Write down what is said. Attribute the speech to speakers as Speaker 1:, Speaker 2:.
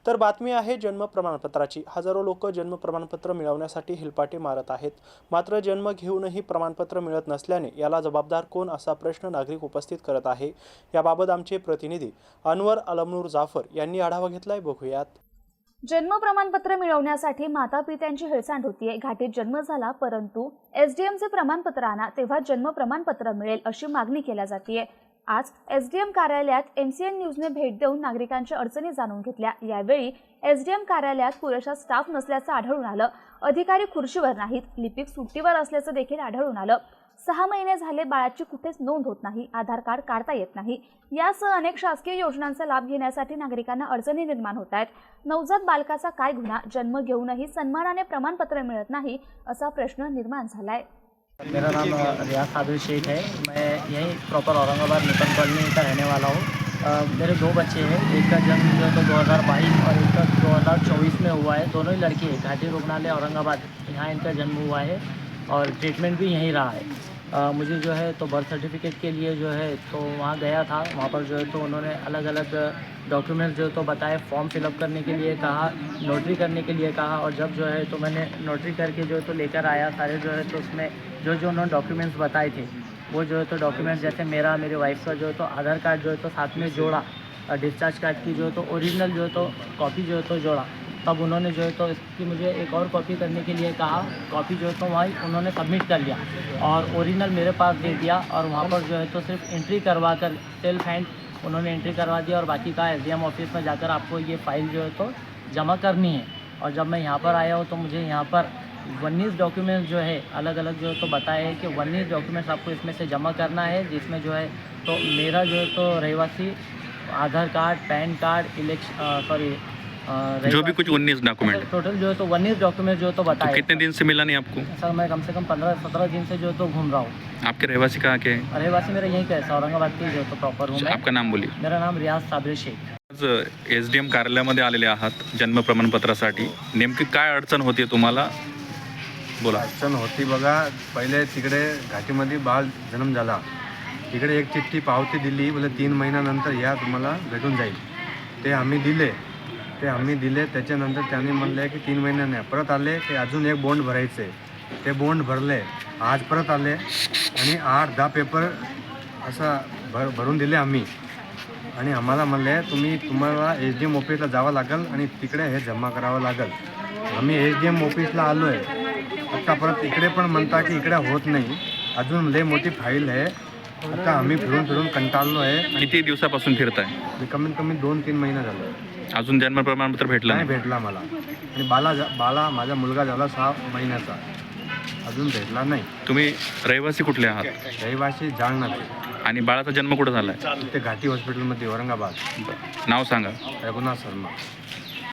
Speaker 1: तर बातमी आहे जन्म प्रमाणपत्राची। हजारो लोक जन्म प्रमाणपत्र मिळवण्यासाठी हिलपाटे मारत आहेत। मात्र जन्म घेऊनही प्रमाणपत्र मिळत नसल्याने याला जबाबदार कोण असा प्रश्न नागरिक उपस्थित करत आहे। याबाबत आमचे प्रतिनिधी अनवर अलमनूर जाफर यांनी आढावा घेतलाय, बघूयात।
Speaker 2: जन्म प्रमाणपत्र मिळवण्यासाठी मातापित्यांची हेळसांड होतीये। घाटीत जन्म झाला परंतु एसडीएमचे प्रमाणपत्र आणा तेव्हा जन्म प्रमाणपत्र मिळेल अशी मागणी केली जातीये। आज एसडीएम कार्यालयात एमसीएन न्यूजने भेट देऊन नागरिकांच्या अडचणी जाणून घेतल्या। यावेळी एसडीएम कार्यालयात पुरेसा स्टाफ नसल्याचं आढळून आलं। अधिकारी खुर्चीवर नाहीत, लिपिक सुट्टीवर असल्याचं देखील आढळून आलं। 6 महिने झाले बाळाची कुठेच नोंद होत नाही, आधार कार्ड काढता येत नाही। यासह अनेक शासकीय योजनांचा लाभ घेण्यासाठी नागरिकांना अडचणी निर्माण होत आहेत। नवजात बालकाचा काय गुन्हा, जन्म घेऊनही सन्मानाने प्रमाणपत्र मिळत नाही असा प्रश्न निर्माण झालाय।
Speaker 3: मेरा नाम रियाज साबिर शेख है। मैं यहीं प्रॉपर औरंगाबाद नूतन कॉलोनी का रहने वाला हूँ। मेरे 2 बच्चे हैं, एक का जन्म जो है तो 2022 और एक का 2024 में हुआ है। दोनों ही लड़के हैं। घाटी रुग्णालय औरंगाबाद, यहाँ इनका जन्म हुआ है और ट्रीटमेंट भी यहीं रहा है। मुझे जो है तो बर्थ सर्टिफिकेट के लिए जो है तो वहाँ गया था। वहाँ पर जो है तो उन्होंने अलग अलग डॉक्यूमेंट जो तो बताए, फॉर्म फिलअप करने के लिए कहा, नोटरी करने के लिए कहा। और जब जो है तो मैंने नोटरी करके जो है तो लेकर आया सारे जो है तो उसमें जो जो उन्होंने डॉक्यूमेंट्स बताए थे वो जो है तो डॉक्यूमेंट्स जैसे मेरा, मेरी वाइफ का जो है तो आधार कार्ड जो है तो साथ में जोड़ा, डिस्चार्ज कार्ड की जो है तो ओरिजिनल जो है तो कॉपी जो है तो जोड़ा। तब उन्होंने जो है तो इसकी मुझे एक और कॉपी करने के लिए कहा। कॉपी जो है तो वहीं उन्होंने सबमिट कर लिया और ओरिजिनल मेरे पास दे दिया। और वहाँ पर जो है तो सिर्फ एंट्री करवा कर सेल्फ हैंड उन्होंने एंट्री करवा दिया और बाकी का एसडीएम ऑफिस में जाकर आपको ये फाइल जो है तो जमा करनी है। और जब मैं यहाँ पर आया हूँ तो मुझे यहाँ पर 19 डॉक्यूमेंट्स जो है अलग अलग जो है तो बताया है कि 19 डॉक्यूमेंट्स आपको इसमें से जमा करना है, जिसमें जो है तो मेरा जो है तो रहवासी आधार कार्ड, पैन कार्ड,
Speaker 4: जो भी कुछ 19 डॉक्यूमेंट
Speaker 3: टोटल जो है तो 19 डॉक्यूमेंट जो है तो बताया।
Speaker 4: तो कितने दिन से मिला नहीं आपको?
Speaker 3: सर मैं कम से कम 15-17 दिन से जो है तो घूम रहा हूँ।
Speaker 4: आपके रहवासी कहाँ के हैं?
Speaker 3: रहवासी मेरा यहीं का है, औरंगाबाद की जो तो प्रॉपर हूँ मैं।
Speaker 4: आपका नाम बोलिए।
Speaker 3: मेरा नाम रियाज साबिर शेख।
Speaker 4: आज एसडीएम कार्यालयामध्ये आलेले आहात जन्म प्रमाणपत्रासाठी, नेमकी काय अडचण होती तुम्हाला? बोला।
Speaker 5: अडचण होती बघा, पहिले तिकडे घाटीमध्ये बाळ जन्म झाला, तिकडे एक चिठ्ठी पावती दिली, बोले 3 महिन्यानंतर या तुम्हाला भेटून जाईल। ते आम्ही दिले त्याच्यानंतर त्यांनी म्हणले की 3 महिने नाही, परत आले की अजून एक बॉन्ड भरायचे, ते बॉन्ड भरले। आज परत आले आणि 8-10 पेपर असा भरून दिले आम्ही। आणि आम्हाला म्हणले तुम्हाला एसडीएम ऑफिसला जावं लागेल आणि तिकडे हे जमा करावं लागेल। आम्ही एसडीएम ऑफिसला आलो आहे, आता परत इकडे पण म्हणता की इकडे होत नाही, अजून लय मोठी फाईल आहे। आता आम्ही फिरून कंटाळलो आहे।
Speaker 4: किती दिवसापासून फिरताय?
Speaker 5: कमीत कमी 2-3 महिने झाले,
Speaker 4: अजून जन्म प्रमाणपत्र भेटलं
Speaker 5: नाही
Speaker 4: नाही?
Speaker 5: भेटला मला। आणि बाला माझा मुलगा झाला 6 महिन्याचा, अजून भेटला नाही।
Speaker 4: तुम्ही रहिवासी कुठले आहात?
Speaker 5: रहिवासी जालनाचे।
Speaker 4: आणि बाळाचा जन्म कुठं झालाय?
Speaker 5: ते घाटी हॉस्पिटलमध्ये औरंगाबाद।
Speaker 4: नाव सांगा।
Speaker 5: रघुनाथ शर्मा।